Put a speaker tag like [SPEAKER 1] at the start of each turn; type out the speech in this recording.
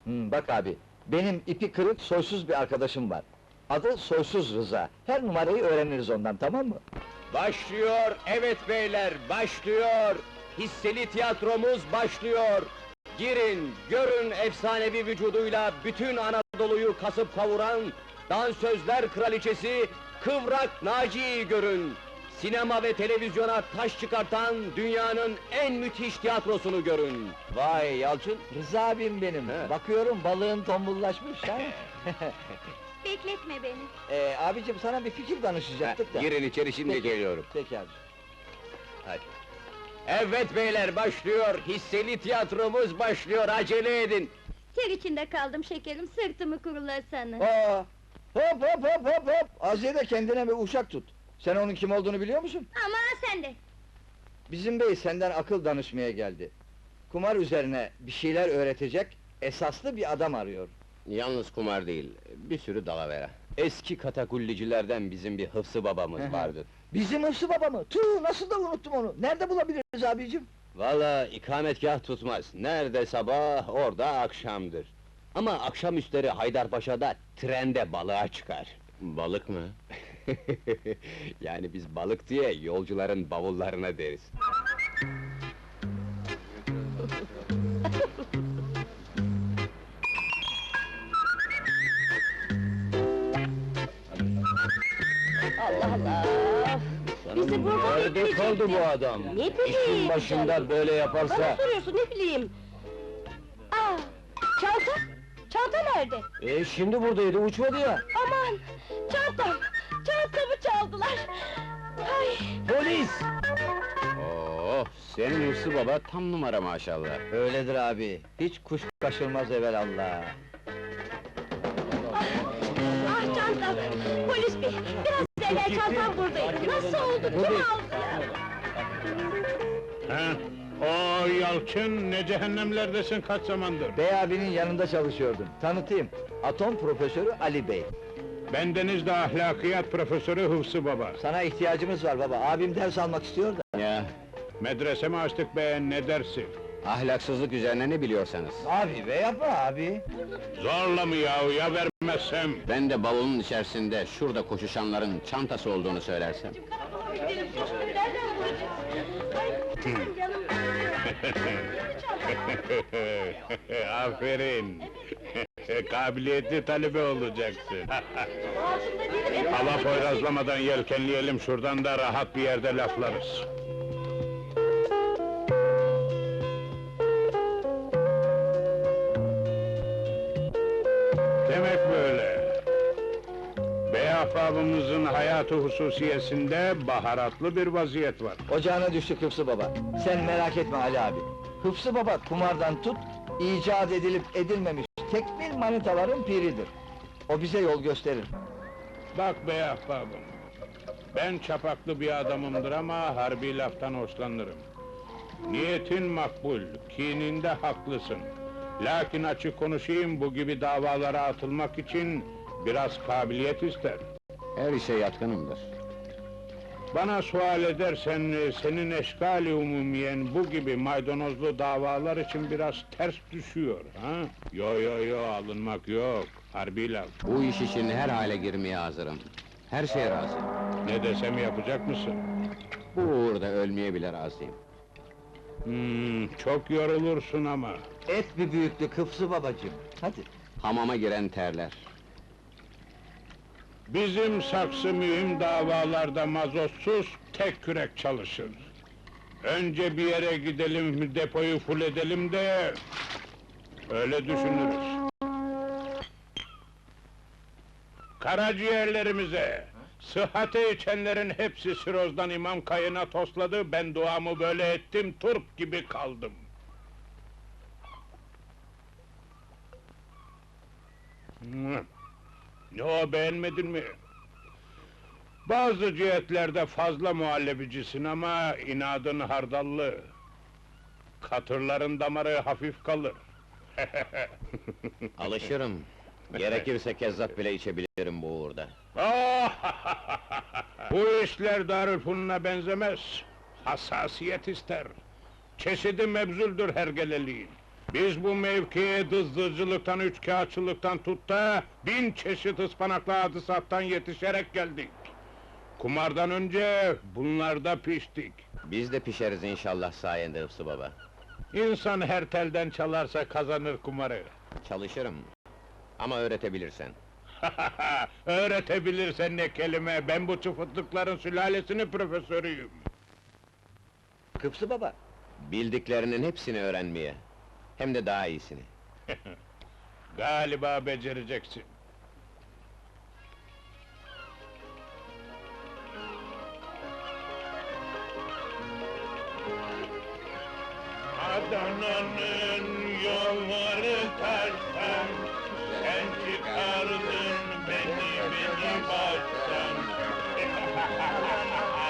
[SPEAKER 1] Bak abi, benim ipi kırık, soysuz bir arkadaşım var. Adı Soysuz Rıza. Her numarayı öğreniriz ondan, tamam mı?
[SPEAKER 2] Başlıyor, evet beyler, başlıyor! Hisseli tiyatromuz başlıyor! Girin, görün efsanevi vücuduyla bütün Anadolu'yu kasıp kavuran dansözler kraliçesi Kıvrak Naciye'yi görün! Sinema ve televizyona taş çıkartan dünyanın en müthiş tiyatrosunu görün!
[SPEAKER 1] Vay Yalçın, Rıza abim benim.
[SPEAKER 2] He.
[SPEAKER 1] Bakıyorum balığın tombullaşmış ha.
[SPEAKER 3] Bekletme beni.
[SPEAKER 1] Abicim sana bir fikir danışacaktık da.
[SPEAKER 2] Girin içeri, şimdi
[SPEAKER 1] Peki.
[SPEAKER 2] geliyorum.
[SPEAKER 1] Peki abi.
[SPEAKER 2] Hadi. Evet beyler, başlıyor! Hisseli tiyatromuz başlıyor, acele edin!
[SPEAKER 3] Ter içinde kaldım şekerim, sırtımı kurulasana.
[SPEAKER 1] Aa, hop hop hop hop hop! Aziye de kendine bir uşak tut. Sen onun kim olduğunu biliyor musun?
[SPEAKER 3] Ama sen de.
[SPEAKER 1] Bizim bey senden akıl danışmaya geldi. Kumar üzerine bir şeyler öğretecek, esaslı bir adam arıyor.
[SPEAKER 2] Yalnız kumar değil, bir sürü dalavera. Eski katakullicilerden bizim bir Hıfzı babamız
[SPEAKER 1] Hı.
[SPEAKER 2] vardır.
[SPEAKER 1] Bizim Hıfzı baba mı? Tüh, nasıl da unuttum onu! Nerede bulabiliriz abicim?
[SPEAKER 2] Valla ikametgah tutmaz. Nerede sabah, orada akşamdır. Ama akşamüstleri Haydarpaşa'da trende balığa çıkar. Balık mı? Yani biz balık diye yolcuların bavullarına deriz.
[SPEAKER 3] Allah Allah! Bizi burada
[SPEAKER 2] Nerede kaldı bu adam?
[SPEAKER 3] Ne bileyim
[SPEAKER 2] İşin başında
[SPEAKER 3] canım.
[SPEAKER 2] böyle
[SPEAKER 3] Bana
[SPEAKER 2] yaparsa...
[SPEAKER 3] soruyorsun, ne bileyim? Aa! Çanta? Çanta nerede?
[SPEAKER 1] Şimdi buradaydı, uçmadı ya!
[SPEAKER 3] Aman! Çantam! Çantamı çaldılar! Ay!
[SPEAKER 1] Polis!
[SPEAKER 2] Oo, senin Hıfzı baba tam numara maşallah.
[SPEAKER 1] Öyledir abi, hiç kuş kaçırmaz evelallah!
[SPEAKER 3] Ah çantam! Polis bey! Biraz evvel çantam buradaydı! Nasıl oldu? Kim aldı ya?
[SPEAKER 4] Ha? O Yalçın, ne cehennemlerdesin kaç zamandır?
[SPEAKER 1] Bey abinin yanında çalışıyordum, tanıtayım. Atom profesörü Ali Bey.
[SPEAKER 4] Bendenizde ahlakiyat profesörü Hıfzı Baba.
[SPEAKER 1] Sana ihtiyacımız var baba, abim ders almak istiyor da.
[SPEAKER 2] Ya,
[SPEAKER 4] Medrese mi açtık be, ne dersi?
[SPEAKER 2] ahlaksızlık üzerine ne biliyorsanız.
[SPEAKER 1] Abi be yapma abi!
[SPEAKER 4] Zorla mı yahu, ya vermezsem?
[SPEAKER 2] Ben de bavulun içerisinde, şurada koşuşanların çantası olduğunu söylersem.
[SPEAKER 3] Nereden bulacağız? Ay, canım!
[SPEAKER 4] Aferin! Kabiliyetli talebe olacaksın. Hava poyrazlamadan yelkenleyelim şuradan da rahat bir yerde laflarız. Demek böyle. Bey ahbabımızın hayatı hususiyesinde baharatlı bir vaziyet var.
[SPEAKER 1] Ocağına düştük Hıfzı baba. Sen merak etme Ali abi. Hıfzı baba kumardan tut, icat edilip edilmemiş tekmil manitaların piridir. O bize yol gösterir.
[SPEAKER 4] Bak bey ahbabım, ben çapaklı bir adamımdır ama harbi laftan hoşlanırım. Niyetin makbul, kininde haklısın. Lakin açık konuşayım, bu gibi davalara atılmak için biraz kabiliyet ister.
[SPEAKER 2] Her işe yatkınımdır.
[SPEAKER 4] Bana sual edersen, senin eşkali umumiyen bu gibi maydanozlu davalar için biraz ters düşüyor, ha? Yo, alınmak yok, harbi laf.
[SPEAKER 2] Bu iş için her hale girmeye hazırım. Her şeye razıyım.
[SPEAKER 4] Ne desem yapacak mısın?
[SPEAKER 2] Bu uğurda ölmeye bile razıyım.
[SPEAKER 4] Çok yorulursun ama.
[SPEAKER 1] Et bir büyüklük Hıfzı babacığım. Hadi.
[SPEAKER 2] Hamama giren terler.
[SPEAKER 4] Bizim saksı mühim davalarda mazotsuz tek kürek çalışır. Önce bir yere gidelim, depoyu full edelim de... öyle düşünürüz. Karaciğerlerimize, sıhhate içenlerin hepsi sirozdan imam kayına tosladı, ben duamı böyle ettim, turp gibi kaldım. Ne o, beğenmedin mi? Bazı cihetlerde fazla muhallebicisin ama inadın hardallı. Katırların damarı hafif kalır.
[SPEAKER 2] Alışırım. Gerekirse kezzap bile içebilirim bu uğurda.
[SPEAKER 4] Bu işler Darülfünun'a benzemez. Hassasiyet ister. Çeşidi mebzuldür hergeleliğin. Biz bu mevkiye dızdırıcılıktan, üçkağıtçılıktan tut da 1000 çeşit ıspanaklı hadisattan yetişerek geldik. Kumardan önce bunlarda piştik.
[SPEAKER 2] Biz de pişeriz inşallah sayende Hıfzı baba.
[SPEAKER 4] İnsan her telden çalarsa kazanır kumarı.
[SPEAKER 2] Çalışırım. Ama öğretebilirsen.
[SPEAKER 4] Öğretebilirsen ne kelime, ben bu çıfıtlıkların sülalesinin profesörüyüm.
[SPEAKER 1] Hıfzı baba,
[SPEAKER 2] Bildiklerinin hepsini öğrenmeye. Hem de daha iyisini.
[SPEAKER 4] Galiba becereceksin. Adana'nın yolları taştan, sen çıkardın beni baştan.